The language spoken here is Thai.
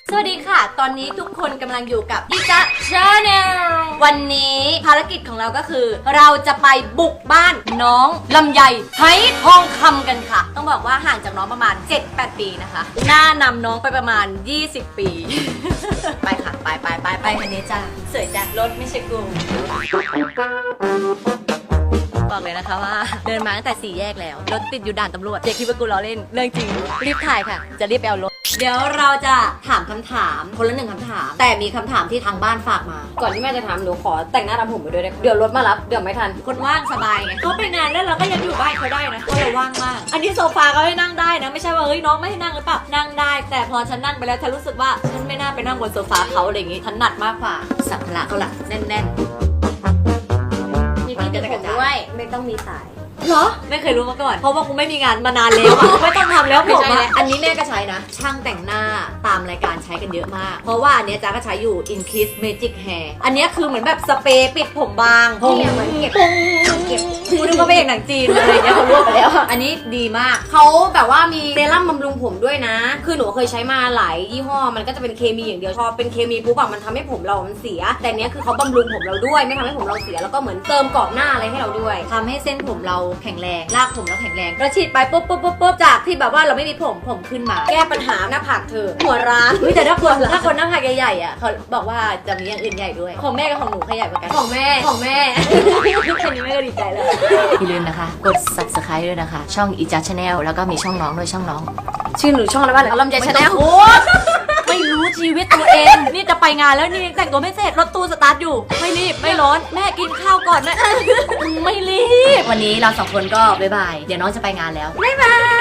สวัสดีค่ะตอนนี้ทุกคนกำลังอยู่กับอีจ๊ะชาแนลวันนี้ภารกิจของเราก็คือ เราจะไปบุกบ้านน้องลำไยไหทองคำกันค่ะต้องบอกว่าห่างจากน้องประมาณ 7-8 ปีนะคะหน้านำน้องไปประมาณ 20 ปี ไปค่ะไปคันนี้จ้าสวยจากรถไม่ใช่กูบอกเลยนะคะว่าเดินมาตั้งแต่4 แยกแล้วรถติดอยู่ด่านตำรวจเจ๊คิดว่ากูล้อเล่นเรื่องจริงรีบถ่ายค่ะจะรีบไปเอารถเดี๋ยวเราจะถามคำถามคนละ1 คำถามแต่มีคำถามที่ทางบ้านฝากมาก่อนที่แม่จะถามหนูขอแต่งหน้าทำผมไปด้วยได้เดี๋ยวรถมารับเดี๋ยวไม่ทันคนว่างสบายไงเขาไปงานแล้วเราก็ยังอยู่บ้านเขาได้นะเพราะเราว่างมากอันนี้โซฟาเขาให้นั่งได้นะไม่ใช่ว่าเฮ้ยน้องไม่ให้นั่งหรือเปล่านั่งได้แต่พอฉันนั่งไปแล้วฉันรู้สึกว่าฉันไม่น่าไปนั่งบนโซฟาเขาอะไรอย่างงี้ถนัดมากกว่าสัมภาระเขาล่ะแน่นๆมีพี่ติดผมด้วยไม่ต้องมีสายเหรอไม่เคยรู้มาก่อนเพราะว่ากูไม่มีงานมานานแล้วอะไม่ต้องทำแล้วผมไม่ใช่อะแล้วอันนี้แม่ก็ใช้นะ ช่างแต่งหน้าตามรายการใช้กันเยอะมาก เพราะว่าอันเนี้ยจ๊ะก็ใช้อยู่ Increase Magic Hair อันเนี้ยคือเหมือนแบบสเปรย์ปิดผมบางเนี่ยเหมือนเก็บกูนึกว่าเป็นหนังจีนอะไรเงี้ยเขารวบไปแล้วอะอันนี้ดีมากเขาแบบว่ามีเซรั่มบำรุงผมด้วยนะ คือหนูเคยใช้มาหลายยี่ห้อมันก็จะเป็นเคมีอย่างเดียวพอเป็นเคมีปุ๊บอะมันทำให้ผมเรามันเสีย แต่เนี้ยคือเขาบำรุงผมเราด้วยไม่ทำให้ผมเราเสียแล้วก็เหมือนเติมกรอบหน้าอะไรให้เราด้วยทำให้เส้นผมเราแข็งแรงรากผมเราแข็งแรงเราฉีดไปปุ๊บจากที่แบบว่าเราไม่มีผมขึ้นมาแก้ปัญหาหน้าผากเธอหัวร้านแต่ถ้าคนหน้าผากใหญ่ๆอ่ะเขาบอกว่าจะมีอย่างอื่นใหญ่ด้วยของแม่กับของหนูใครใหญ่กว่ากันของแม่แค่นี้แม่ก็ดีใจแล้วอย่าลืมนะคะกด subscribe ด้วยนะคะช่องอีจั channel แล้วก็มีช่องน้องด้วยช่องน้องชื่อหนูช่องอะไรบ้างลำไยชาแนลโอ้ไม่รู้ชีวิตตัวเองนี่จะไปงานแล้วนี่แต่งตัวไม่เสร็จรถตู้สตาร์ทอยู่ไม่รีบไม่ร้อนแม่กินข้าวก่อนนะไม่รีบวันนี้เรา2 คนก็บ๊ายบายเดี๋ยวน้องจะไปงานแล้วบ๊ายบาย